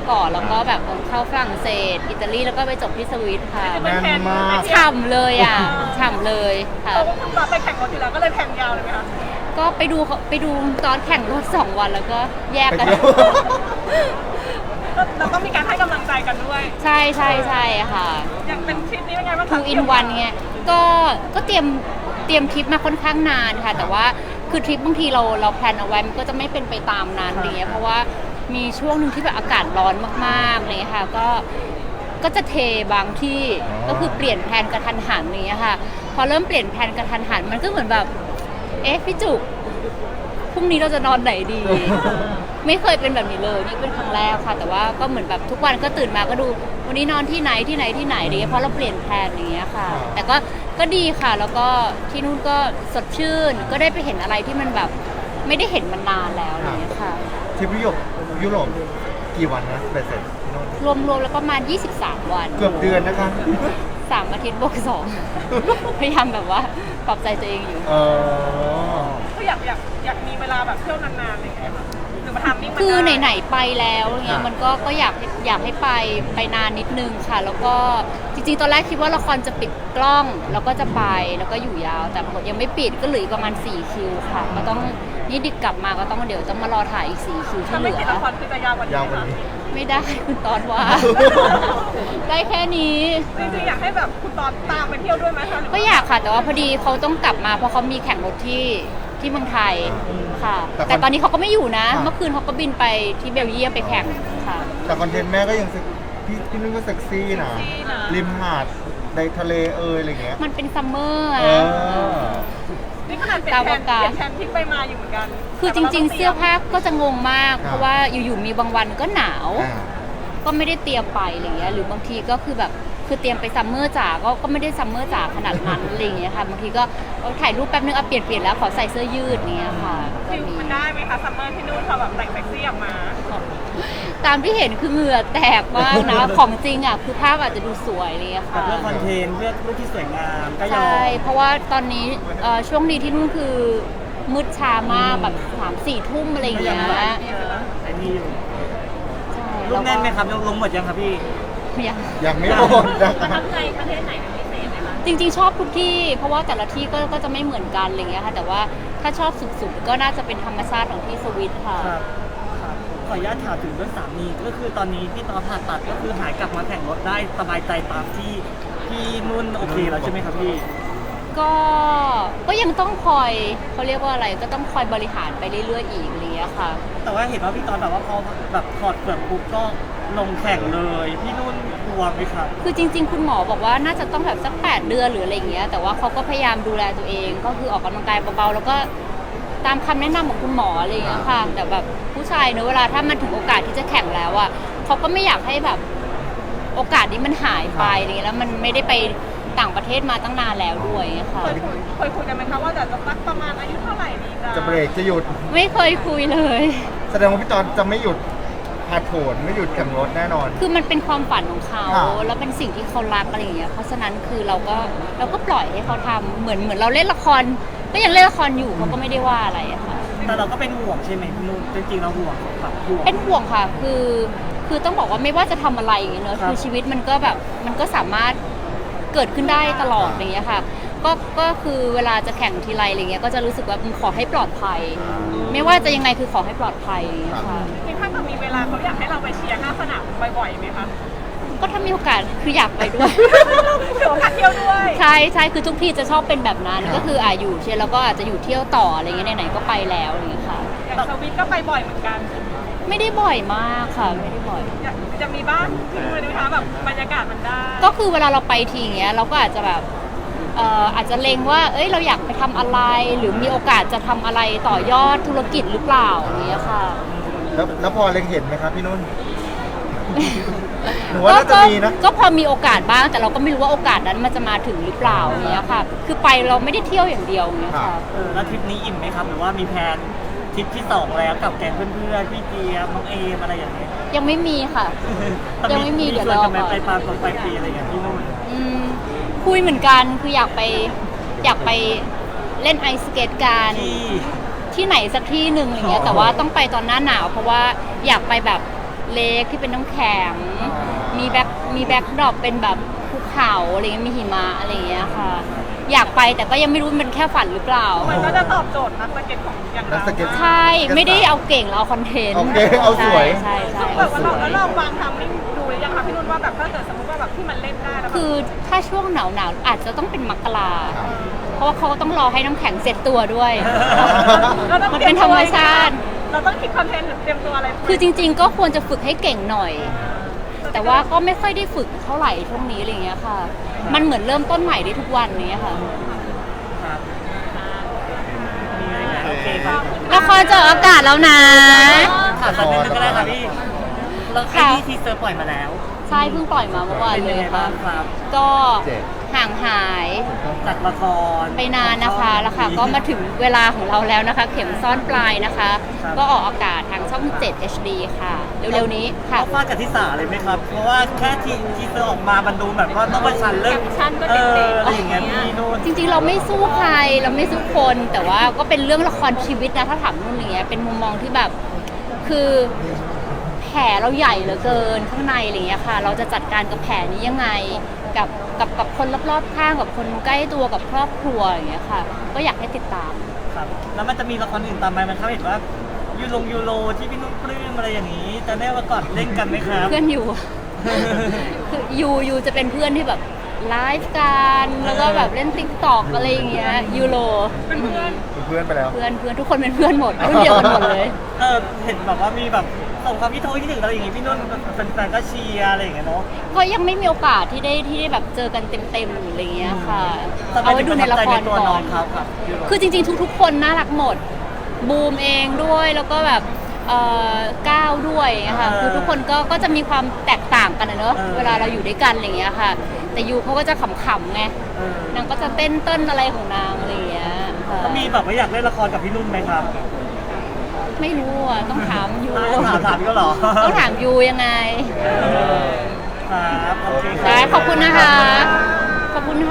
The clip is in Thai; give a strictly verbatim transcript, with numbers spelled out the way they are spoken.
ก่อนแล้วก็แบบเข้าฝรั่งเศสอิตาลีแล้วก็ไปจบที่สวิตค่ะแน่นมากฉ่ำเลยอ่ะฉ่ำเลยค่ะเพราะว่าคุณตอนไปแข่งรถอยู่แล้วก็เลยแข่งยาวเลยไหมคะก็ไปดูไปดูตอนแข่งรถสองวันแล้วก็แยกไปกันเที่ยวก็เราต้องมีการให้กำลังใจกันด้วยใช่ใช่ใช่ค่ะอย่างเป็นทริปนี้เป็นไงบ้างคะทูอินวันเงี้ยก็ก็เตรียมเตรียมทริปมาค่อนข้างนานค่ะแต่ว่าคือทริปบางทีเราเราแพลนเอาไว้มันก็จะไม่เป็นไปตามนั้นอะไรเงี้ยเพราะว่ามีช่วงหนึ่งที่แบบอากาศร้อนมากๆอะไรเลยค่ะก็ก็จะเทบางที่อ๋อก็คือเปลี่ยนแผนกระทันหันอย่างเงี้ยค่ะพอเริ่มเปลี่ยนแผนกระทันหันมันก็เหมือนแบบเอ๊ะพี่จุกพรุ่งนี้เราจะนอนไหนดี ไม่เคยเป็นแบบนี้เลยนี่เป็นครั้งแรกค่ะ แต่ว่าก็เหมือนแบบทุกวันก็ตื่นมาก็ดูวันนี้นอนที่ไหนที่ไหนที่ไหนอะไรเงี้ยเพราะเราเปลี่ยนแผนอย่างเงี้ยค่ะ แต่ก็ก็ดีค่ะแล้วก็ที่นู่นก็สดชื่นก็ได้ไปเห็นอะไรที่มันแบบไม่ได้เห็นมานานแล้วอะไรเงี้ยค่ะทริปยุโรปยุโรปกี่วันนะเบ็ดเสร็จพี่นุ่นรวมๆแล้วประมาณยี่สิบสามวันเกือบเดือนนะคะสามอาทิตย์บวกสอง พยายามแบบว่าปรับใจตัวเองอยู่เออก็อยากอยากอยากมีเวลาแบบเที่ยวนานๆอะไรอย่างเงี้ยค่ะหรือมาทำนี่มันคือได้ไหนๆไปแล้วเงี้ยอ่ะมันก็ก็อยากอยากให้ไปไปนานนิดนึงค่ะ แล้วก็จริงๆตอนแรกคิดว่าละครจะปิดกล้องแล้วก็จะไปแล้วก็อยู่ยาว แต่ปรากฏยังไม่ปิดก็เหลืออีกประมาณสี่คิวค่ะก็ต้องนี่ดิกกลับมาก็ต้องเดี๋ยวต้องมารอถ่ายอีกสี่คิวที่ถ้าเหไม่ลืติดอละครคือจะยาวกว่านี้ยาวกไหมว่าคะนี้ไม่ได้คุณตอนว่า ได้แค่นี้จริงๆอยากให้แบบคุณตอนตามไปเที่ยวด้วยไหมคะหรือก็ว่าอยากค่ะ แต่ว่าพอดีเขาต้องกลับมาเพราะเขามีแข่งรถที่ที่เมืองไทยค่ะแต่แต่ตอนนี้เขาก็ไม่อยู่นะอ่าเมื่อคืนเขาก็บินไปที่เบลเยียมไปแข่งค่ะแต่คอนเทนต์แม่ก็ยังเซ็กพี่พี่นุ่นก็เซ็กซี่นะ ริมหาดในทะเลเอยอะไรเงี้ยมันเป็นซัมเมอร์เออะอนี่ขนาดเปลี่ยนแผนตามโอกาสเปลี่ยนแผนทริปไปมาอยู่เหมือนกันคือจริง ๆ เสื้อผ้าก็จะงงมากครับเพราะว่าอยู่ๆมีบางวันก็หนาวอ่าก็ไม่ได้เตรียมไปอะไรเงี้ยหรือบางทีก็คือแบบคือเตรียมไปซัมเมอร์จ๋าก็ก็ไม่ได้ซัมเมอร์จ๋าขนาดนั้นอะไรเงี้ยค่ะบางทีก็เอาถ่ายรูปแป๊บนึงเอาเปลี่ยนเปลี่ยนแล้วขอใส่เสื้อยืดเงี้ยค่ะก็ฟิลมีมันได้ไหมคะซัมเมอร์ที่นู่นพอแบบแต่งเซ็กซี่ออกมาตามที่เห็นคือเหงื่อแตกมากนะ ของจริงอ่ะคือภาพอาจจะดูสวยเลยอะแต่ค่ะเพื่อคอนเทนต์เพื่อรูปที่สวยงามก็ยอใช่มเพราะว่าตอนนี้เอ่อช่วงนี้ที่นู่นคือมืดช้ามากแบบสามสี่ทุ่มอะไรอย่างเงี้ยแต่นี่อยู่ใช่รูปแน่นไหมครับลงหมดยังครับพี่ยังยังไม่หมดนะประทับใจประเทศไหนเป็นพิเศษไหมคะจริงๆชอบทุกที่ เพราะว่าแต่ละที่ก็ก็จะไม่เหมือนกันอะไรเงี้ยค่ะแต่ว่าถ้าชอบสุดๆก็น่าจะเป็นธรรมชาติของที่สวิตค่ะครับครับขออนุญาตถามถึงเรื่องสามีก็คือตอนนี้ที่ตอนผ่าตัดก็คือหายกลับมาแข่งรถได้สบายใจตามที่พี่นุ่นโอเคแล้วใช่ไหมครับพี่ก็ก็ยังต้องคอยเขาเรียกว่าอะไรก็ต้องคอยบริหารไปเรื่อยๆอีกอะไรเงี้ยค่ะแต่ว่าเห็นว่าพี่ตอนแบบว่าพอแบบถอดเปลือกปุ๊บก็ลงแข่งเลยพี่นุ่นกลัวไหมครับคือจริง ๆ คุณหมอบอกว่าน่าจะต้องแบบสักแปดเดือนหรืออะไรอย่างเงี้ย แต่ว่าเขาก็พยายามดูแลตัวเอง ก็คือออกกำลังกายเบาๆ แล้วก็ตามคำแนะนำของคุณหมออะไรอย่างเงี้ยค่ะ แต่แบบผู้ชายเนอะเวลาถ้ามันถึงโอกาสที่จะแข่งแล้วอ่ะเขาก็ไม่อยากให้แบบโอกาสนี้มันหายไปอะไรเงี้ยแล้วมันไม่ได้ไปต่างประเทศมาตั้งนานแล้วด้วยค่ะเคยคุยเคยคุยกันไหมคะว่าจะสักประมาณอายุเท่าไหร่ดีจะจะเบรกจะหยุดไม่เคยคุยเลยแสดงว่าพี่ตอนจะไม่หยุดผาดโผนไม่หยุดแข่งรถแน่นอนคือมันเป็นความฝันของเขาอ่าแล้วเป็นสิ่งที่เขารักอะไรอย่างเงี้ย เพราะฉะนั้นคือเราก็เราก็ปล่อยให้เขาทำเหมือนเหมือนเราเล่นละคร ก็ยังเล่นละครอยู่เขาก็ไม่ได้ว่าอะไรอะค่ะแต่เราก็เป็นห่วงใช่ไหมพี่นุ่นจริงๆเราห่วงแบบห่วงเป็นห่วงค่ะ คือ คือต้องบอกว่าไม่ว่าจะทำอะไรอย่างเงี้ยเนอะครับคือชีวิตมันก็แบบ มันก็สามารถเกิดขึ้นได้ตลอดอย่างเงี้ยค่ะ ก็ ก็คือเวลาจะแข่งทีไรอะไรเงี้ย ก็จะรู้สึกว่าขอให้ปลอดภัย ไม่ว่าจะยังไงคือขอให้ปลอดภัยอย่างเงี้ยค่ะจริงๆถ้าเกิดมีเวลาเขาอยากให้เราไปเชียร์หน้าสนามบ่อยๆไหมคะก็ถ้ามีโอกาสคืออยากไปด้วยถือโอกาสเที่ยวด้วยใช่ใช่คือทุกที่จะชอบเป็นแบบนั้นครับก็คืออ่าอยู่เชียร์แล้วก็อาจจะอยู่เที่ยวต่ออะไรเงี้ยไหนๆก็ไปแล้วอะไรเงี้ยค่ะอย่างสวิตก็ไปบ่อยเหมือนกันไม่ได้บ่อยมากค่ะ ไม่ได้บ่อยอยากจะมีบ้านที่นู่นไหมคะแบบบรรยากาศมันได้ก็คือเวลาเราไปทีอย่างเงี้ยเราก็อาจจะแบบเอ่ออาจจะเล็งว่า เอ้ยเราอยากไปทำอะไร หรือมีโอกาสจะทำอะไรต่อยอดธุรกิจหรือเปล่าอย่างเงี้ยค่ะแล้วแล้วพอเล็งเห็นไหมครับพี่นุ่น หนูว่าน่าจะมีนะก็พอมีโอกาสบ้างแต่เราก็ไม่รู้ว่าโอกาสนั้นมันจะมาถึงหรือเปล่าอย่างเงี้ยค่ะ คือไปเราไม่ได้เที่ยวอย่างเดียวอย่างเงี้ยค่ะเออแล้วทริปนี้อิ่มไหมครับหรือว่ามีแพลนทริปที่สองแล้วกับแก๊งเพื่อนๆพี่เจี๊ยบน้องเอมอะไรอย่างเงี้ยยังไม่มีค่ะ ยังไม่มีเดี๋ยวชวนรอกันไหมก่อนไปปาร์ตี้ไปปีอะไรอย่างเงี้ยพี่นุ่นอืมคุยเหมือนกันคืออยากไปอยากไปเล่นไอสเกตกันที่ที่ไหนสักที่หนึ่งอะไรเงี้ยอ๋อแต่ว่าต้องไปตอนหน้าหนาว เพราะว่าอยากไปแบบเลคที่เป็นน้ำแข็ง มีแบ็คมีแบ็คดรอปเป็นแบบภูเขาอะไรเงี้ยมีหิมะอะไรอย่างเงี้ยค่ะ อยากไปแต่ก็ยังไม่รู้มันเป็นแค่ฝันหรือเปล่ามันก็จะตอบโจทย์นักสเก็ตของอย่างนัเรากสเก็ตใช่ไม่ได้เอาเก่งเราเอาคอนเทนต์โอเคเอาสวยใช่ใช่แบใช่บว่าเราแล้วเราวางทำนิ่งดูหรือยังคะพี่นุ่นว่าแบบถ้าเกิดสมมติว่าแบบที่มันเล่นได้แล้วแบบคือถ้าช่วงหนาวหนาวๆอาจจะต้องเป็นมกราครับเพราะว่าเขาก็ต้องรอให้น้ำแข็งเสร็จตัวด้วยเราต้องมันเป็นธรรมชาติเราต้องคิดคอนเทนต์หรือเตรียมตัวอะไรคือจริง ๆ ก็ควรจะฝึกให้เก่งหน่อย แต่ว่าก็ไม่ค่อยได้ฝึกเท่าไหร่ช่วงนี้อะไรอย่างเงี้ยค่ะ มันเหมือนเริ่มต้นใหม่ได้ทุกวันเนี้ยค่ะครับมีอะไรไหมโอเคครับละครจะออกอากาศแล้วนะถามสักนิดนึงก็ได้ครับพี่แล้วไอ้ค่ะที่ทีเซอร์ปล่อยมาแล้วใช่เพิ่งปล่อยมาเมื่อวานเป็นเลยังยไงค่ะบ้างครับก็เจ็ดห่างหายจากละครไปนานนะคะแล้วค่ะก็มาถึงเวลาของเราแล้วนะคะ เข็มซ่อนปลายนะคะ ก็ออกอากาศทางช่องเจ็ด เอช ดี ค่ะ เร็วๆนี้ค่ะเขาฟาดกับทิสาเลยไหมครับ เพราะว่าแค่ทีทีเซอร์ออกมามันดูแบบว่าต้องประชันเรื่องแคปชั่นก็เอเด็อกๆอะไรอย่างเงี้ยพี่นุ่นจริงๆ เราไม่สู้ใครเราไม่สู้คน แต่ว่าก็เป็นเรื่องละครชีวิตนะถ้าถามนู่นอย่างเงี้ยเป็นมุมมองที่แบบคือแผลเราใหญ่เหลือเกินข้างในอะไรอย่างเงี้ยค่ะ เราจะจัดการกับแผลนี้ยังไงกับกับกับคนรอบๆข้างกับคนใกล้ตัวกับครอบครัวอย่างเงี้ยค่ะ ก็อยากให้ติดตามครับแล้วมันจะมีละครอื่นตามไปมันเขาเห็นว่ายูโรยูโรที่พี่นุ่นปลื้มอะไรอย่างนี้จะได้มาก่อนเล่นกันไหมครับเพื่อนอยู่ คือยูยูจะเป็นเพื่อนที่แบบไลฟ์กันแล้วก็แบบเล่นติ๊กต็อกอะไรอย่างเงี้ยยูโรเป็นเพื่อนเป็นเพื่อนไปแล้วเพื่อนเพื่อนทุกคนเป็นเพื่อนหมดรุ่นเดียวกันหมดเลยเออเห็นแบบว่ามีแบบส่งความคิดโทษคิดถึงเราอย่างงี้พี่นุ่นเป็นแฟนก็เชียร์อะไรอย่างเงี้ยเนาะก็ยังไม่มีโอกาสที่ได้ที่ได้แบบเจอกันเต็มๆอะไรเงี้ยค่ะแต่เอาไว้ดูในละครตัวก่น้อองนครับครับยูโรคือจริงๆทุกๆ คนน่ารักหมด บูมเองด้วยแล้วก็แบบเอ่อก้าวด้วยนะคะคือทุกคนก็ก็จะมีความแตกต่างกันนะเนอะเวลาเราอยู่ด้วยกันอะไรเงี้ยค่ะ แต่ยูเขาก็จะขำๆไงเออนางก็จะเต้นเต้นอะไรของนางอะไรเงี้ยค่ะก็มีแบบว่าอยากเล่นละครกับพี่นุ่นไหมครับไม่รู้อ่ะต้องถามยูถามถามก็เหรอต้องถามยูยังไงเออครับโอเคครับได้ขอบคุณนะคะ ขอบคุณค่ะ